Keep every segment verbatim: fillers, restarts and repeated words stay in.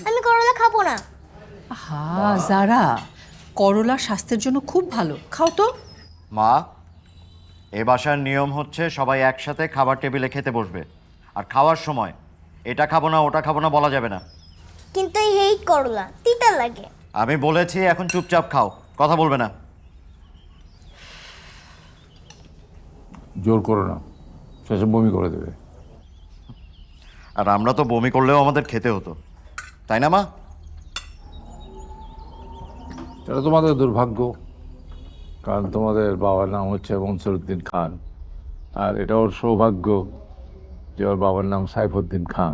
আমি করলা খাবো না। হ্যাঁ যারা, করলা স্বাস্থ্যের জন্য খুব ভালো, খাও তো। মা, এ বাসার নিয়ম হচ্ছে সবাই একসাথে খাবার টেবিলে খেতে বসবে, আর খাওয়ার সময় এটা খাবো না ওটা খাবো না বলা যাবে না। কিন্তু এই হেই করলা তিতা লাগে। আমি বলেছি এখন চুপচাপ খাও, কথা বলবে না। জোর করো না, শেষে বমি করে দেবে। আর আমরা তো বমি করলেও আমাদের খেতে হতো, তাই না মা? এটা তোমাদের দুর্ভাগ্য, কারণ তোমাদের বাবার নাম হচ্ছে মনসুরউদ্দিন খান, আর এটা ওর সৌভাগ্য যে ওর বাবার নাম সাইফুদ্দিন খান।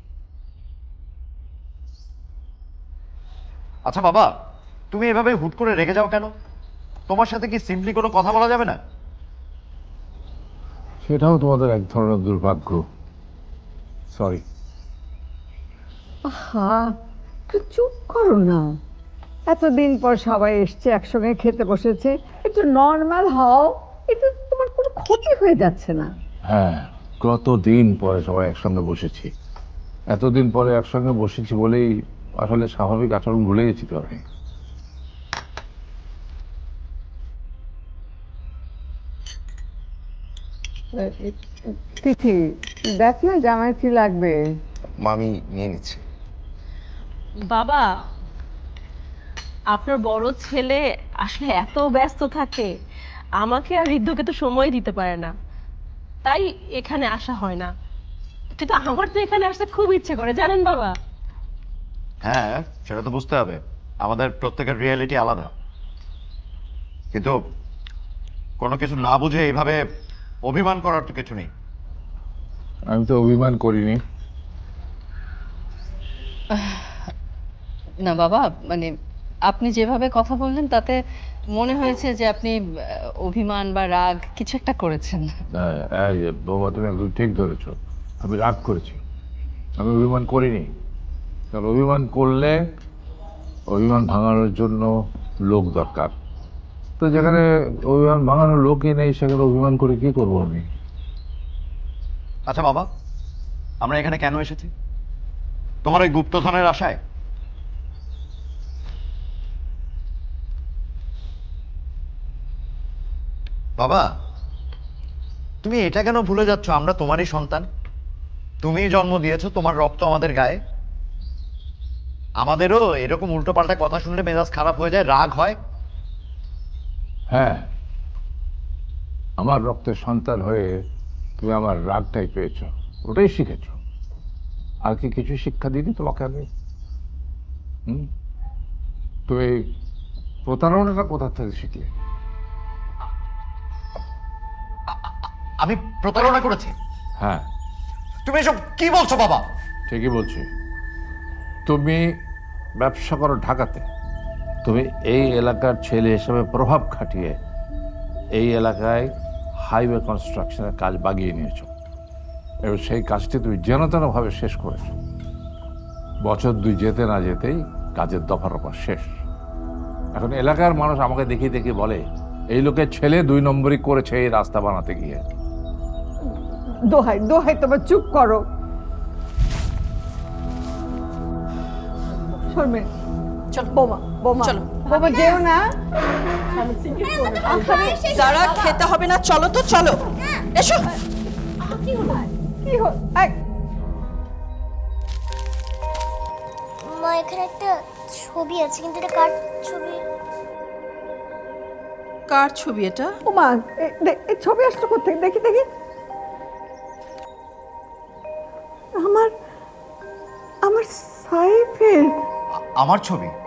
আচ্ছা বাবা, তুমি এভাবে হুট করে রেগে যাও কেন? তোমার সাথে কি সিম্পলি কোনো কথা বলা যাবে না? সেটাও তোমাদের এক ধরনের দুর্ভাগ্য। সরি। হ্যাঁ, একটু চুপ করো না। এতদিন পর সবাই এসছে, একসঙ্গে খেতে বসেছে, একটু নর্মাল হও। এটা তোমার কোনো ক্ষতি হয়ে যাচ্ছে না। হ্যাঁ, কতদিন পরে সবাই একসঙ্গে বসেছি। এতদিন পরে একসঙ্গে বসেছি বলেই আসলে স্বাভাবিক আচরণ ভুলে গেছি তো আমি। তিথি, দেখ না জামাই কি লাগবে। মামি নিয়ে নিচ্ছে। বাবা, আপনার বড় ছেলে আসলে এত ব্যস্ত থাকে, আমাকে আর ঋদ্ধকে তো সময় দিতে পারে না, তাই এখানে আসা হয় না। কিন্তু আমার তো এখানে আসতে খুব ইচ্ছে করে, জানেন বাবা। হ্যাঁ, সেটা তো বুঝতে হবে, আমাদের প্রত্যেকের রিয়েলিটি আলাদা। কিন্তু কোনো কিছু না বুঝে এইভাবে অভিমান করার তো কিছু নেই। আমি তো অভিমান করিনি। না বাবা, মানে আপনি যেভাবে কথা বললেন তাতে মনে হয়েছে যে আপনি আহ, অভিমান বা রাগ কিছু একটা করেছেন। হ্যাঁ, এই যে বাবা, তুমি একদম ঠিক ধরেছ। আমি রাগ করেছি, আমি অভিমান করিনি। কারণ অভিমান করলে অভিমান ভাঙানোর জন্য লোক দরকার। তো যেখানে অভিমান ভাঙানোর লোকই নেই সেখানে অভিমান করে কি করবো আমি? আচ্ছা বাবা, আমরা এখানে কেন এসেছি? তোমার ওই গুপ্তধনের আশায়? বাবা, তুমি এটা কেন ভুলে যাচ্ছ আমরা তোমারই সন্তান? তুমিই জন্ম দিয়েছো, তোমার রক্ত আমাদের গায়ে। আমাদেরও এরকম উল্টোপাল্টা কথা শুনলে মেজাজ খারাপ হয়ে যায়, রাগ হয়। হ্যাঁ, আমার রক্তের সন্তান হয়ে তুমি আমার রাগটাই পেয়েছ, ওটাই শিখেছ। আর কি কিছু শিক্ষা দিইনি তোমাকে আমি? হুম তুমি প্রতারণাটা কোথা থেকে শিখলে? আমি প্রতারণা করেছি? হ্যাঁ, তুমি এসব কি বলছো বাবা? ঠিকই বলছি। তুমি ব্যবসা করো ঢাকাতে, তুমি এই এলাকার ছেলে হিসেবে প্রভাব খাটিয়ে এই এলাকায় হাইওয়ে কনস্ট্রাকশনের কাজ বাগিয়ে নিয়েছো, এবং সেই কাজটি তুমি যেন তেনভাবে শেষ করেছো। বছর দুই যেতে না যেতেই কাজের দফা রফা শেষ। এখন এলাকার মানুষ আমাকে দেখি দেখি বলে এই লোকের ছেলে দুই নম্বরই করেছে এই রাস্তা বানাতে গিয়ে। দোহাই দোহাই, তোমার চুপ করো। শর্মিন, চলো বোমা বোমা চলো। বোমা, যেও না। যারা খেতে হবে না, চলো তো, চলো এসো। কি হল? এই, মা, এখানে একটা ছবি আছে, কিন্তু এটা কার ছবি? কার ছবি এটা? ওমা, এ- দে- এই ছবি আসলো কোথেকে? দেখি দেখি। আমার আমার সাইফের। আ- আমার ছবি?